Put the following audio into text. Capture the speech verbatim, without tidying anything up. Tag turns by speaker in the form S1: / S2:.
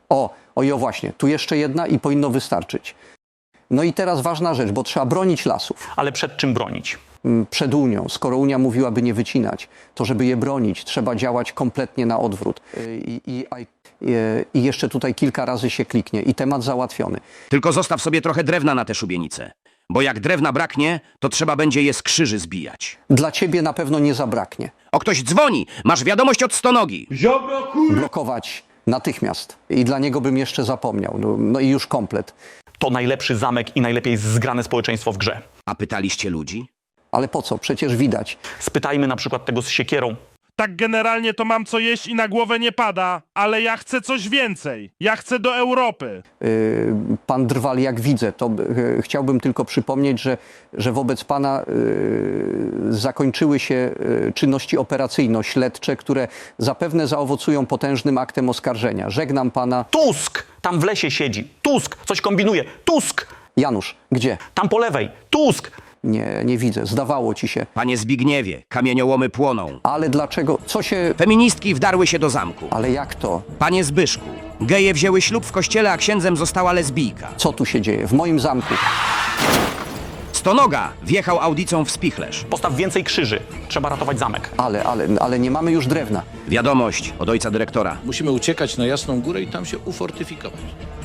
S1: O, oj, o właśnie, tu jeszcze jedna i powinno wystarczyć. No i teraz ważna rzecz, bo trzeba bronić lasów.
S2: Ale przed czym bronić?
S1: Przed Unią. Skoro Unia mówiłaby nie wycinać, to żeby je bronić, trzeba działać kompletnie na odwrót. I, i, i, i jeszcze tutaj kilka razy się kliknie i temat załatwiony.
S3: Tylko zostaw sobie trochę drewna na te szubienice. Bo jak drewna braknie, to trzeba będzie je z krzyży zbijać.
S1: Dla ciebie na pewno nie zabraknie.
S3: O, ktoś dzwoni! Masz wiadomość od stonogi!
S4: Ziobro, kur...
S1: Blokować natychmiast. I dla niego bym jeszcze zapomniał. No, no i już komplet.
S2: To najlepszy zamek i najlepiej zgrane społeczeństwo w grze.
S3: A pytaliście ludzi?
S1: Ale po co? Przecież widać.
S2: Spytajmy na przykład tego z siekierą.
S4: Tak generalnie to mam co jeść i na głowę nie pada, ale ja chcę coś więcej. Ja chcę do Europy.
S1: Yy, pan Drwal, jak widzę, to yy, chciałbym tylko przypomnieć, że, że wobec pana yy, zakończyły się yy, czynności operacyjno-śledcze, które zapewne zaowocują potężnym aktem oskarżenia. Żegnam pana.
S2: Tusk! Tam w lesie siedzi. Tusk! Coś kombinuje. Tusk!
S1: Janusz, gdzie?
S2: Tam po lewej. Tusk!
S1: Nie, nie widzę. Zdawało ci się.
S3: Panie Zbigniewie, kamieniołomy płoną.
S1: Ale dlaczego? Co się...
S3: Feministki wdarły się do zamku.
S1: Ale jak to?
S3: Panie Zbyszku, geje wzięły ślub w kościele, a księdzem została lesbijka.
S1: Co tu się dzieje? W moim zamku.
S3: Stonoga wjechał audicą w spichlerz.
S2: Postaw więcej krzyży. Trzeba ratować zamek.
S1: Ale, ale, ale nie mamy już drewna.
S3: Wiadomość od ojca dyrektora.
S5: Musimy uciekać na Jasną Górę i tam się ufortyfikować.